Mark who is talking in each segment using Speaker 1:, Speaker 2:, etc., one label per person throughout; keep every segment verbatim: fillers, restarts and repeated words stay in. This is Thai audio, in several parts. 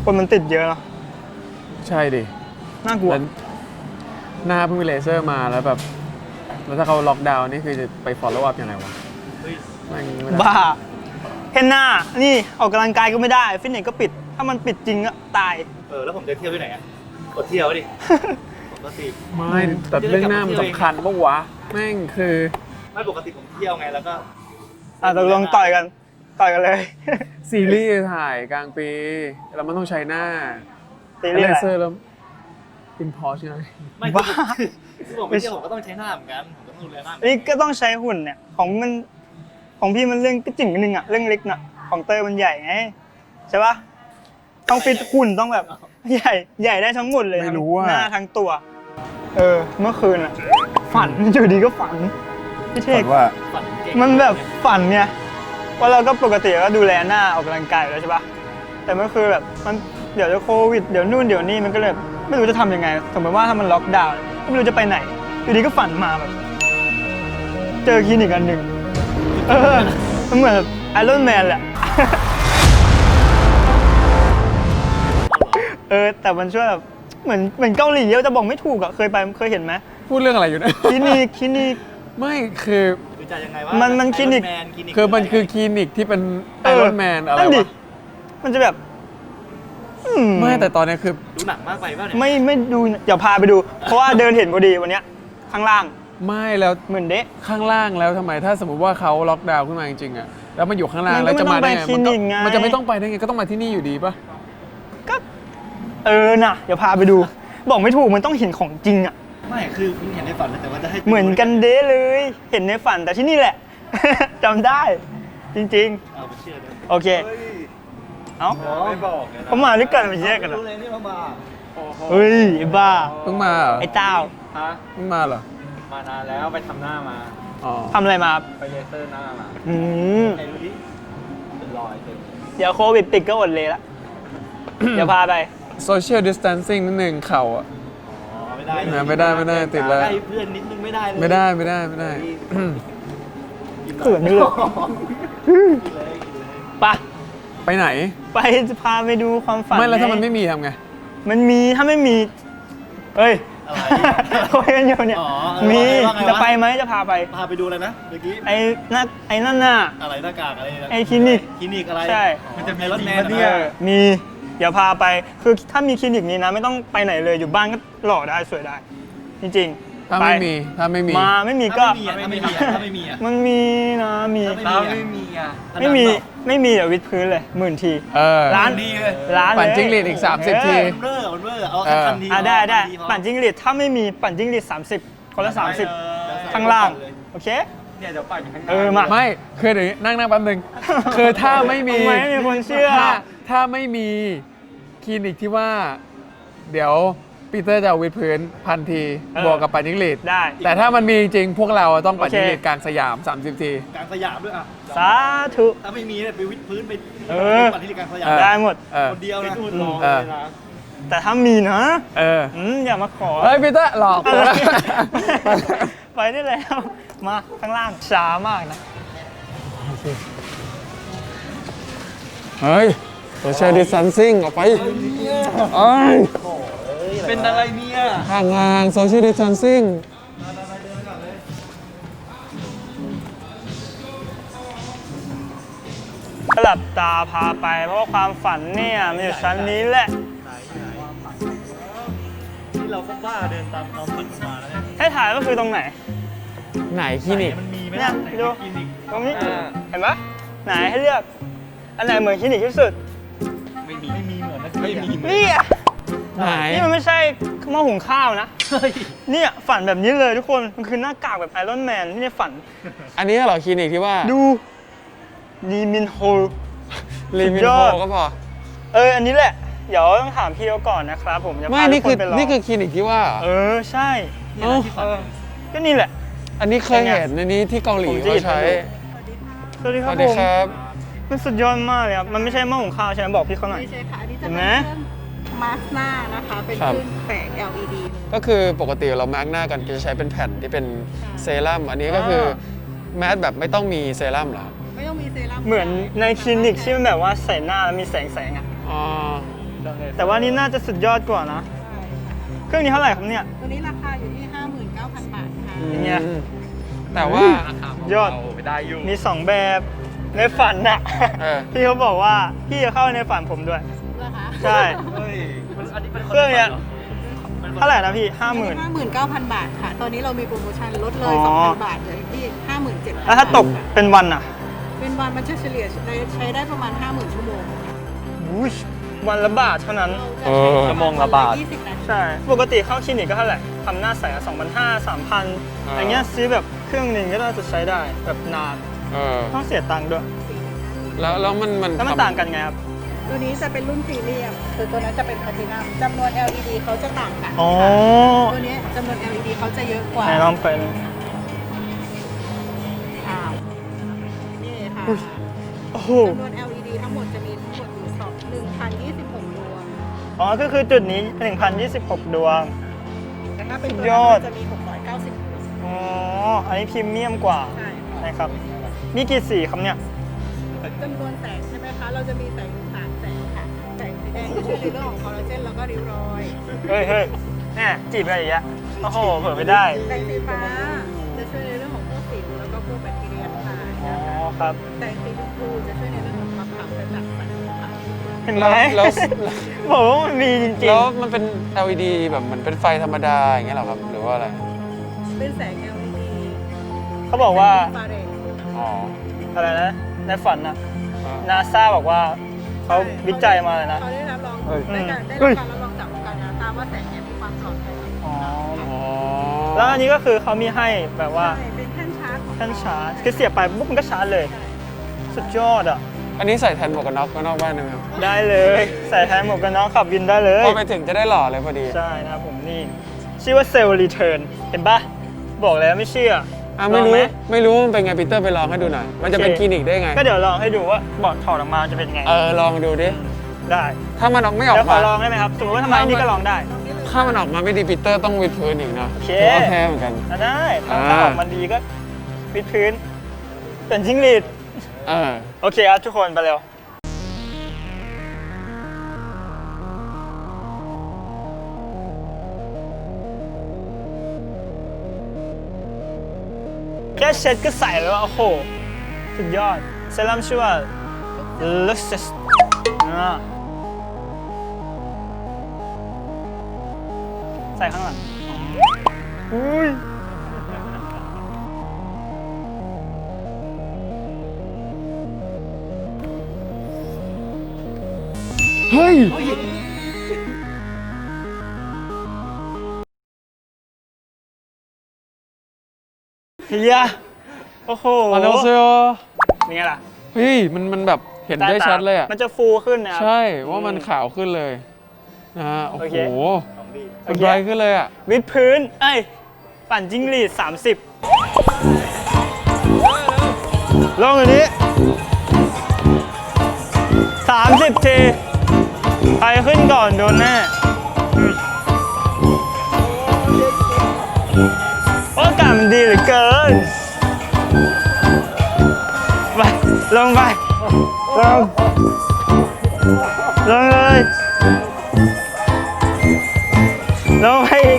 Speaker 1: คนมันติดเยอะเนาะ
Speaker 2: ใช่ดิ
Speaker 1: น่ากลัว
Speaker 2: หน้าเพิ่งมีเลเซอร์มาแล้วแบบแล้วถ้าเขาล็อกดาวน์นี่คือจะไป follow up ยังไงวะ
Speaker 1: บ้าเห็นหน้านี่ออกกำลังกายก็ไม่ได้ฟิตเนสก็ปิดถ้ามันปิดจริงก็ตาย
Speaker 3: เออแล้วผมจะเที่ยวที่ไหนอ่ะกดเที่ยวดิปกติ
Speaker 2: ไม่แต่เรื่องหน้ามันสำคัญปะวะแม่งคือ
Speaker 3: ไม่ปกติผมเที่ยวไงแล้วก็
Speaker 1: อ่ะตกลงต่อยกันต่อยกันเลย
Speaker 2: ซีรีส์ถ่ายกลางปีแล้วมันต้องใช้หน้า
Speaker 1: ซีรีส์
Speaker 2: เลเซอร์แล้วอินพอร์ชไง
Speaker 3: ไม่บ้าคือผมไม่เที่ยวผมก็ต้องใช้หน้าเหมือนกันผมก็ต้องดูแลหน้า
Speaker 1: นี่ก็ต้องใช้หุ่นเนี่ยของมันของพี่มันเรื่องก็จิ๋งนึงอะเรื่องเล็กน่ะของเตยมันใหญ่ไงใช่ปะต้องฟิตหุ่นต้องแบบใหญ่ใหญ่ได้ทั้งหมดเลยทั้งหน้าทั้งตัวเออเมื่อคืนอะฝันอยู่ดีก็ฝันพี่เทก
Speaker 2: ว่า
Speaker 1: มันแบบฝันเนี่ยว่าเราก็ปกติก็ดูแลหน้าออกกำลังกายแล้วใช่ปะแต่เมื่อคืนแบบมันเดี๋ยวจะโควิดเดี๋ยวนู่นเดี๋ยวนี่มันก็เลยไม่รู้จะทำยังไงสมมติว่าถ้ามันล็อกดาวน์ไม่รู้จะไปไหนอยู่ดีก็ฝันมาแบบเจอคลินิกอันหนึ่งเออมันเหมือนไอรอนแมนแหละเออแต่มันช่วยแบบเหมือนเหมือนเกาหลีจะบอกไม่ถูกอะเคยไปเคยเห็นไหม
Speaker 2: พูดเรื่องอะไรอยู่นะ
Speaker 1: คลินิกคลินิก
Speaker 2: ไม่คือ
Speaker 3: จะยังไงวะ
Speaker 1: มันมันคลินิก
Speaker 2: คือมันคือคลินิกที่เป็นไอรอนแมนอะไรวะ
Speaker 1: มันจะแบบ
Speaker 2: ไม่แต่ตอนนี้คือ
Speaker 3: ดูหนักมากไปป่ะเนี่ย
Speaker 1: ไม่ไม่ดูเดี๋ยวพาไปดูเพราะว่าเดินเห็นพอดีวันนี้ข้างล่าง
Speaker 2: ไม่แล้ว
Speaker 1: เหมือนเด๊ะ
Speaker 2: ข้างล่างแล้วทำไมถ้าสมมติว่าเขาล็อกดาวน์ขึ้นมาจริงๆอะแล้วมันอยู่ข้างล่างแล้วจะมาได้ไงมันจะไม่ต้องไปได้ไงก็ต้องมาที่นี่อยู่ดีป่ะ
Speaker 1: ก็เออน่ะเดี๋ยวพาไปดูบอกไม่ถูกมันต้องเห็นของจริงอะ
Speaker 3: ไม่คือคุณเห็นในฝันแต่ว่าจะให้
Speaker 1: เหมือนกันเด๊ะเลยเห็นในฝันแต่ที่นี่แหละจำได้จริง
Speaker 3: ๆเอาไปเชื่อเลย
Speaker 1: โอเคเอ้า
Speaker 3: ไม่บอก
Speaker 1: เขามาด้วยกันมาแยกกันเหรอ
Speaker 3: รู้เลยนี่เขามา
Speaker 1: เฮ้ยไอ้บ้า
Speaker 2: เพิ่งมา
Speaker 1: ไอ้เต้า
Speaker 3: ฮะ
Speaker 2: เพิ่งมาเหรอ
Speaker 3: มานานแล้วไปทำหน้ามา
Speaker 2: อ๋อ
Speaker 1: ทำอะไรมา
Speaker 3: ไปเลเซอร์หน้ามา
Speaker 1: อืม
Speaker 3: ไอ้รู้ดิเป็นรอยเต็ม
Speaker 1: เดี๋ยวโควิดติดก็อดเลยละเดี๋ยวพาไป
Speaker 2: social distancing นิดนึงเข่าอ่ะ
Speaker 3: อ๋อไม่ได้
Speaker 2: ไม่ได้ไม่ได้ติดแล้ว
Speaker 3: ใกล้เพื่อนนิดนึงไม่ได้เลย
Speaker 2: ไม่ได้ไม่ได้ไม่ได้
Speaker 1: เขินนี่เลยปะ
Speaker 2: ไปไหน
Speaker 1: ไปจะพาไปดูความฝัน
Speaker 2: ไม่แล้วถ้ามันไม่มีทำไง
Speaker 1: มันมีถ้าไม่มีเอ้ยอะไรคุยกันอยู่เนี่ยมีจะไปไหมจะพาไป
Speaker 3: พาไปดูอะไรนะเมื่อกี้
Speaker 1: ไอ้นั่นไอ้นั่นน่ะ
Speaker 3: อะไรหน้ากากอะไร
Speaker 1: ไอ้คลินิก
Speaker 3: คลินิกอะไร
Speaker 1: ใช่
Speaker 3: มันจะมีรถแมนเนี่ย
Speaker 1: มีเดี๋ยวพาไปคือถ้ามีคลินิกนี้นะไม่ต้องไปไหนเลยอยู่บ้านก็หล่อได้สวยได้จริง
Speaker 2: ๆถ้าไม่มีถ้าไม่มี
Speaker 1: มาไม่มีก็
Speaker 3: ถ้าไม่มีถ้าไม่มี
Speaker 1: มันมีนะมี
Speaker 3: ถ้าไม่มีอ่ะ
Speaker 1: ไม่มีไม่มีเดี๋ยววิดพื้นเลยหมื่นทีร้าน
Speaker 3: ดีเลย
Speaker 1: ร้าน
Speaker 2: ปั่นจิ้งหรีดอีกสามสิบที
Speaker 3: เบอร์เบอร์เอาทันที
Speaker 1: อ่ะได้ได้ปั่นจิ้งหรีดถ้าไม่มีปั่นจิ้งหรีดสามสิบคนละสามสิบข้างล่างโอเค
Speaker 3: เนี่ยเดี๋ยวปั่นข้าง
Speaker 1: เออมา
Speaker 2: ไม่คือเดี๋ยวนั่งนั่งแป๊บนึงคือถ้าไม่มี
Speaker 1: ไม่มีคนเชื่อ
Speaker 2: ถ้าไม่มีคลินิกที่ว่าเดี๋ยวปีเตอร์จะวิดพื้นพันทีบวกกับปั่นจิ้งหรีด
Speaker 1: ได้
Speaker 2: แต่ถ้ามันมีจริงพวกเราต้องปั่นจิ้งหรีดกลางสยามสามสิบที
Speaker 3: กลางสยามด้วยอ่ะ
Speaker 1: สาธุ
Speaker 3: ถ้าไม่มีเนี่ยไปวิดพื้นไปปั่นที่กลางสยาม
Speaker 1: ได้หมด
Speaker 3: คนเดียวนะลองเลยนะ
Speaker 1: แต่ถ้ามีนะ
Speaker 2: เออ
Speaker 1: อย่ามาขอ
Speaker 2: เฮ้ยปีเตอร์หลอก
Speaker 1: ไปได้แล้วมาข้างล่างช้ามากนะ
Speaker 2: เฮ้ยsocial distancing ออกไปเอ้ย
Speaker 3: เป็นอะไรเนี่ย
Speaker 2: ห่างห่าง social distancing
Speaker 1: หลับตาพาไปเพราะว่าความฝันเนี่ยมันอยู่ชั้นนี้แหละ
Speaker 3: ที่เราก็บ้าเดินตามความฝันมาแล้วเนี่ย
Speaker 1: ให้ถ่ายก็คือตรงไหน
Speaker 2: ไหนคลินิก
Speaker 3: มันมีไหม
Speaker 1: เนี่ยดูตรงนี้เห็นปะไหนให้เลือกอันไหนเหมือนคลินิกที่สุด
Speaker 3: ไม่มีไม่มีเหมือนนะไม่มี
Speaker 1: นี่อ่ะ
Speaker 2: ไหน
Speaker 1: นี่มันไม่ใช่หม้อหุงข้าวนะเนี่ยฝันแบบนี้เลยทุกคนมันคือหน้ากากแบบไอรอนแมนที่ในฝัน
Speaker 2: อันนี้เหรอคลินิกที่ว่า
Speaker 1: ดูลีมินโฮ
Speaker 2: ลีมินโฮก็พอ
Speaker 1: เอออันนี้แหละเดี๋ยวต้องถามพี่เขาก่อนนะครับผมจะพาทุกคนไปลอง
Speaker 2: นี่คือคลินิกที่ว่า
Speaker 1: เออใช่ก็นี่แหละ
Speaker 2: อันนี้เคยเห็นในนี้ที่เกาหลีเขาใช้
Speaker 1: สวัสดีครับผมมันสุดยอดมากเลยครับมันไม่ใช่หม้อหุงข้าวใช่ไหมบอกพี่เขาหน่อย
Speaker 4: ไม่ใช่ค่ะอันนี้จะเป็นเครื่องมาสก์หน้านะคะเป็นคลื่นแสง แอล อี ดี
Speaker 2: ก็คือปกติเรามาร์กหน้ากันจะใช้เป็นแผ่นที่เป็นเซรั่มอันนี้ก็คือแมสแบบไม่ต้องมีเซรั่มหรอ
Speaker 4: ไม่ต้องมีเซรั่ม
Speaker 1: เหมือนในคลินิกที่มันแบบว่าใส่หน้าแล้วมีแสงแสงอ่ะ
Speaker 2: อ๋อ
Speaker 1: แต่ว่านี่น่าจะสุดยอดกว่านะ เครื่องนี้เท่าไหร่ครับเนี่ย
Speaker 4: ตัวนี้ราคาอยู่ที่ ห้าหมื่นเก้าพัน บาทค่ะ
Speaker 1: อย่างเงี้ย
Speaker 2: อืมแต่ว่า
Speaker 1: ยอด
Speaker 3: เอาไปได้อยู่
Speaker 1: มีสองแบบในฝันน่ะ
Speaker 2: เออ
Speaker 1: พี่เขาบอกว่าพี่จะเข้าในฝันผมด้วย
Speaker 4: เหรอคะ
Speaker 1: ใช่
Speaker 3: เฮ้ยมันอันนี้เป็น
Speaker 1: เครื่องเนี้ย เท่าไหร่นะพี่ห้าหมื่น
Speaker 4: ห้าหมื่นเก้าพัน บาทค่ะ ตอนนี้เรามีโปรโมชั่นลดเล
Speaker 1: อ๋
Speaker 4: ย
Speaker 1: อ
Speaker 4: สองพัน บาทเลยที่ ห้าหมื่นเจ็ดพัน
Speaker 1: แล้วถ้าตกเป็นวันอ่ะ
Speaker 4: เป็นวันมันจะเฉลี่ยใช้ได้ประมาณ ห้าหมื่น ชั่วโมง
Speaker 1: อุ๊ยวันละบาทเท่านั้น
Speaker 2: เออ
Speaker 3: ชั่วโมงละบาท
Speaker 4: ยี่สิบนาที
Speaker 1: ใช่ ปกติเข้าคลินิกก็เท่าไหร่ทำหน้าใสสองพันห้าสามพัน
Speaker 2: อ่า
Speaker 1: อย่างเงี้ยซื้อแบบเครื่องหนึ่งก็น่าจะใช้ได้แบบนาน
Speaker 2: เออ
Speaker 1: ต้องเสียตังค์ด้วย
Speaker 2: แล้วแล้วมันมัน
Speaker 1: แล้วมัน
Speaker 2: ทำ
Speaker 1: ต่างกันไงครับ
Speaker 4: ตัวนี้จะเป็นรุ่นพรีเมียมคือตัวนั้นจะเป็นแพลตินัมจำนวน แอล อี ดี เขาจะต่างกัน
Speaker 1: อ๋อ
Speaker 4: ตัวนี้จำนวน แอล อี ดี เขาจะเยอะกว่า
Speaker 1: ไหนลองไปดู
Speaker 4: อ้าวนี่ค่ะ
Speaker 1: โอ้โห
Speaker 4: จำนวน แอล อี ดี ทั้งหมดจะมีทั้งหมดอยู่สองหนึ่งพันยี่สิบหกดวง
Speaker 1: อ๋อ ก็คือจุดนี้หนึ่งพันยี่สิบหกดวง
Speaker 4: แต่ถ้าเป็นตัว
Speaker 1: ย
Speaker 4: นั้
Speaker 1: อด
Speaker 4: นจะมีหกร้อยเก้าสิบดวง
Speaker 1: อ๋อ อันนี้พรีเมียมกว่า
Speaker 4: ใช่ค่ะ
Speaker 1: นะครับ มีกี่สีครับเนี่ย
Speaker 4: จำนวนแสงใช่ไหมคะ เราจะมีแสงอยู่สามแสงค่ะ แสงสีแดงจะช่วยในเรื่องของคอลลาเจนแล้วก็ริ้วรอย
Speaker 1: เฮ้ยเฮ้ยแน่จีบอะไรอย่างเงี้ยโอ้โห เผื่อไม่ได้
Speaker 4: แสงสีฟ้าจะช่วยในเรื่องของพวกสิวแล้วก็พวกแบคทีเรียทั้งหลาย
Speaker 1: อ๋อ
Speaker 4: นะคะ
Speaker 1: ครับ
Speaker 4: แสงสีชมพูจะช่วยในเรื่องของความขาวกระจ่างใสค่ะ
Speaker 1: เห็นไหม
Speaker 2: แล้ว
Speaker 1: บอกว่ามันมีจริง
Speaker 2: แล้วมันเป็น แอล อี ดี แบบเหมือนเป็นไฟธรรมดาอย่างเงี้ยเหรอครับ หรือว่าอะไร
Speaker 4: เป็นแสง แอล อี ดี
Speaker 1: ๆ เขาบอกว่า
Speaker 4: อินฟราเรด
Speaker 2: อ๋อ
Speaker 1: อะไรนะ ในฝันน่ะ
Speaker 2: อ่า
Speaker 1: นาซาบอกว่าเขาวิจัยมาเลยนะ
Speaker 4: เขาได้รับรอง
Speaker 2: เอ้ย
Speaker 4: ได้การได้
Speaker 1: เฮ้
Speaker 4: รับ
Speaker 1: ย
Speaker 4: การรับรองจากองค์การนาซาว่าแสงเนี่ยมีความปลอดภัย
Speaker 1: อ๋อ
Speaker 2: อ๋อ
Speaker 1: แล้วอันนี้ก็คือเขามีให้แบบว่า
Speaker 4: ใช่เป็นแท่นชาร์จ
Speaker 1: ท่านชาร์จคือเสียบไปปุ๊บมันก็ชาร์จเลย สุดยอดอ่ะ
Speaker 2: อันนี้ใส่แทนหมวกกันน็อกข้างนอกบ้านได้ไหมครับ
Speaker 1: ได้เลย ใส่แทนหมวกกันน็อกขับวินได้เลย
Speaker 2: พอไปถึงจะได้หล่อเลยพอดี
Speaker 1: ใช่นะครับผมนี่ ชื่อว่าเซลล์รีเทิร์นเห็นปะบอกแล้วไม่เชื่อ
Speaker 2: อ่ะไม่
Speaker 1: ลอง
Speaker 2: รู้
Speaker 1: ห
Speaker 2: ไม่รู้มันเป็นไงปีเตอร์ไปลองให้ดูหน่อย มันจะเป็น
Speaker 1: โอเค
Speaker 2: คลินิกได้ไง
Speaker 1: ก็เดี๋ยวลองให้ดูว่าบอดถอดออกมาจะเป็นไง
Speaker 2: เออลองดูดิ
Speaker 1: ได้
Speaker 2: ถ้ามันออกไม่ออ
Speaker 1: เดี๋ยว
Speaker 2: ก
Speaker 1: ขอ
Speaker 2: มา
Speaker 1: ลองได้ไหมครับ สมมติว่าทำไมอันนี้ก็ลองได้
Speaker 2: ถ้ามันออกมาไม่ดีปีเตอร์ต้องวิดพื้นอีกนะ
Speaker 1: โอเค
Speaker 2: ถือว่าแพ้เหมือนกัน
Speaker 1: อ่ะได้ถ้า
Speaker 2: อ่า
Speaker 1: ถ้าออกมาดีก็วิดพื้น เป็นจิ้งหรีด
Speaker 2: เออ
Speaker 1: โอเคครับทุกคนไปเร็ว แค่เช็ดก็ใส่แล้วอะโอ้โห สุดยอด เซรั่มชื่อว่า Luxus อ่าใส่ข้างหลังอุ้ย
Speaker 2: เฮ้ย
Speaker 1: เฮียโอ้โห
Speaker 2: อันนี้เซล
Speaker 1: เป็นไงล่ะ
Speaker 2: เฮ้ยมันมันแบบเห็นได้ชัดเลยอ่ะ
Speaker 1: มันจะฟูขึ้นนะครับ
Speaker 2: ใช่ว่ามันขาวขึ้นเลยนะฮะโอ้
Speaker 1: โอ
Speaker 2: โห
Speaker 1: เค
Speaker 2: มันไบรท์ขึ้นเลยอ่ะ
Speaker 1: วิดพื้น เอ้ย ปั่นจิ้งหรีด สามสิบ ลงอันนี้ สามสิบ ที ใครขึ้นก่อนโดนแน่โอ้อากาศมันดีเหลือเกิน ไป ลงไป ลง ลงเลย ลงไปอีก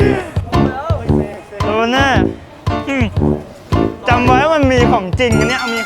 Speaker 1: โดนแน่อืมจำไว้ว่ามันมีของจริงอันเนี้ยเอามี